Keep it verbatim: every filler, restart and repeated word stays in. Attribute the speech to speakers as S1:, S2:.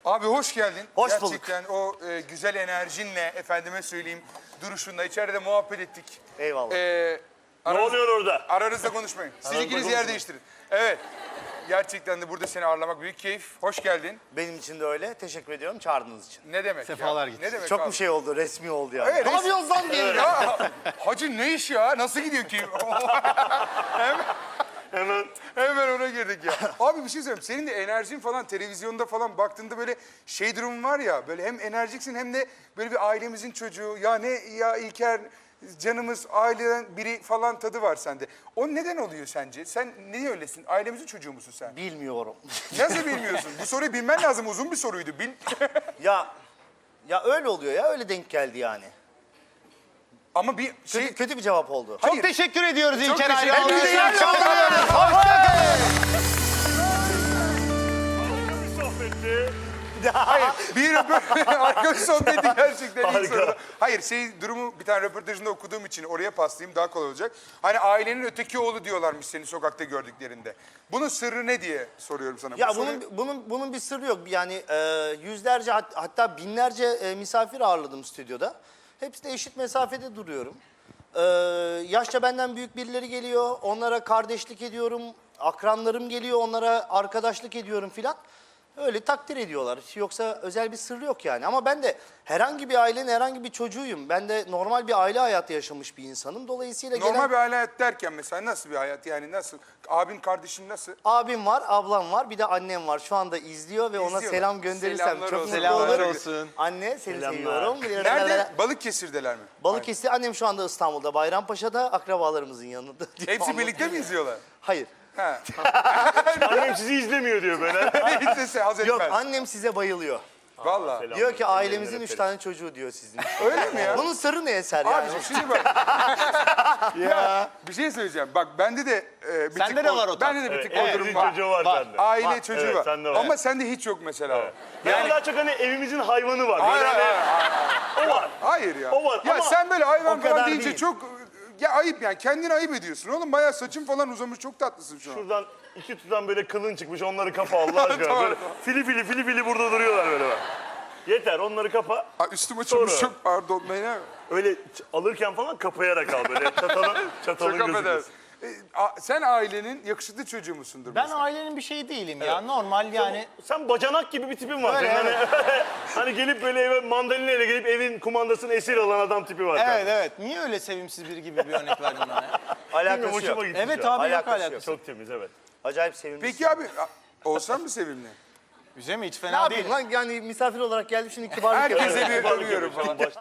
S1: Abi hoş geldin.
S2: Hoş bulduk.
S1: Gerçekten o e, güzel enerjinle, efendime söyleyeyim, duruşunla içeride muhabbet ettik.
S2: Eyvallah.
S1: Ee,
S3: Ne
S1: aranız-
S3: oluyor orada?
S1: Aranızda konuşmayın. Siz
S3: Aranızda
S1: ikiniz yer
S3: konuşmayın.
S1: değiştirin. Evet. Gerçekten de burada seni ağırlamak büyük keyif. Hoş geldin.
S2: Benim için de öyle. Teşekkür ediyorum çağırdığınız için.
S1: Ne demek
S4: Sefalar
S1: ya?
S4: gitsin.
S1: Ne demek
S2: Çok
S1: abi?
S2: bir şey oldu, resmi oldu yani.
S1: Evet,
S2: Ne
S1: res-
S2: yapıyorsun lan diye.
S1: Ya hacı ne iş ya? Nasıl gidiyor ki? hemen,
S3: Hemen
S1: hemen ona girdik ya. Abi bir şey söyleyeyim. Senin de enerjin falan televizyonda falan baktığında böyle şey durum var ya. Böyle hem enerjiksin hem de böyle bir ailemizin çocuğu. Ya ne ya İlker canımız aileden biri falan tadı var sende. O neden oluyor sence? Sen niye öylesin? Ailemizin çocuğu musun sen?
S2: Bilmiyorum.
S1: Nasıl bilmiyorsun? Bu soruyu bilmen lazım. Uzun bir soruydu. Bil.
S2: ya ya öyle oluyor ya, öyle denk geldi yani.
S1: Ama bir şey...
S2: Kötü, kötü bir cevap oldu.
S1: Hayır.
S4: Çok teşekkür ediyoruz
S1: Çok
S4: İlker
S1: teşekkür
S4: Ayhan.
S1: ederim.
S4: İyi
S1: Çok
S4: akşamlar.
S3: bir sohbetti.
S1: Hayır, bir röportaj, arkadaş sohbeti gerçekten iyi
S3: Harika.
S1: soru. Hayır, şey durumu bir tane röportajında okuduğum için oraya paslayayım daha kolay olacak. Hani ailenin öteki oğlu diyorlarmış seni sokakta gördüklerinde. Bunun sırrı ne diye soruyorum sana.
S2: Ya
S1: Bu
S2: bunun
S1: soruyu-
S2: bunun bunun bir sırrı yok. Yani e, yüzlerce hat- hatta binlerce e, misafir ağırladım stüdyoda. Hepsi de eşit mesafede duruyorum. E, yaşça benden büyük birileri geliyor. Onlara kardeşlik ediyorum. Akranlarım geliyor. Onlara arkadaşlık ediyorum filan. Öyle takdir ediyorlar. Yoksa özel bir sırrı yok yani. Ama ben de herhangi bir ailenin herhangi bir çocuğuyum. Ben de normal bir aile hayatı yaşamış bir insanım. Dolayısıyla
S1: Normal
S2: gelen
S1: bir aile hayat derken mesela nasıl bir hayat yani nasıl? Abin kardeşin nasıl?
S2: abim var, ablam var, bir de annem var. Şu anda izliyor ve ona
S1: İzliyorlar.
S2: selam gönderirsem
S1: Selamlar
S2: çok
S1: olsun.
S2: mutlu
S4: Selamlar
S2: olurum.
S4: olsun.
S2: Anne seni
S3: Selamlar.
S2: seviyorum.
S1: Nerede? Balıkesir'deler mi?
S2: Balıkesir, annem şu anda İstanbul'da, Bayrampaşa'da, akrabalarımızın yanında.
S1: Hepsi birlikte mi izliyorlar?
S2: Hayır.
S1: Ha.
S3: Annem sizi izlemiyor diyor böyle.
S1: Hiç sesi haz etmez.
S2: Yok, annem size bayılıyor.
S1: Vallahi.
S3: selam.
S2: Diyor ki
S3: selam,
S2: ailemizin
S3: selam,
S2: üç
S3: selam.
S2: tane çocuğu diyor sizin.
S1: Öyle mi ya?
S2: Bunun sırrı ne Eser yani?
S1: Abiciğim şimdi bak. ya. Bir şey söyleyeceğim. Bak bende de e, bir
S4: Sende
S1: tık
S4: de
S1: o-
S4: var o tat.
S1: Bende de bir
S3: Evet,
S1: tık o durum
S3: evimizin
S1: var.
S3: çocuğu var,
S4: Var.
S3: sende.
S1: Aile
S2: Var.
S1: çocuğu
S3: Evet,
S1: var.
S3: sende var.
S1: Ama sende hiç yok mesela. o.
S3: Ben
S1: Yani
S3: daha çok hani evimizin hayvanı var.
S1: hayır,
S3: Böyle
S1: hayır,
S3: hani
S1: hayır,
S3: o var.
S1: hayır ya.
S3: O var
S1: Ya
S3: ama
S1: sen böyle hayvan
S2: o
S1: falan
S2: kadar
S1: deyince
S2: değil.
S1: çok ya ayıp yani. Kendini ayıp ediyorsun oğlum. Bayağı saçın falan uzamış. Çok tatlısın şu an.
S3: Şuradan iki tutam böyle kılın çıkmış, onları kapa Allah aşkına.
S1: Tamam,
S3: Böyle
S1: tamam.
S3: fili fili fili fili burada duruyorlar böyle bak. Yeter, onları kapa.
S1: Aa, üstüm açılmış.
S3: Sonra.
S1: Çok pardon. Ne?
S3: Öyle ç- alırken falan kapayarak al böyle. Çatalı, çatalın
S1: Çok affedersin.
S3: gözükmesin.
S1: E, a- sen ailenin yakışıklı çocuğu musundur?
S4: Ben
S1: mesela?
S4: ailenin bir şeyi değilim ya. Normal yani.
S3: Sen bacanak gibi bir tipin var.
S4: Öyle,
S3: Senin hani, hani gelip böyle eve mandalina ile gelip evin kumandasını esir alan adam tipi var.
S4: Evet evet. Niye öyle sevimsiz biri gibi bir örnek verdin bana ya?
S2: Alakası
S3: Bilmiyorum, hoşuma
S2: yok.
S3: gitti
S4: Evet
S3: şu an.
S4: abi yok
S2: Alakası yok.
S4: alakası.
S3: Çok temiz, evet.
S2: Acayip sevimli.
S1: Peki abi a- olsan mı sevimli?
S4: Güzel mi? Hiç
S2: ne
S4: fena değil.
S2: yapayım lan? Yani misafir olarak geldim şimdi kibarlık
S1: Herkese
S2: yapıyorum.
S1: bir övüyorum falan.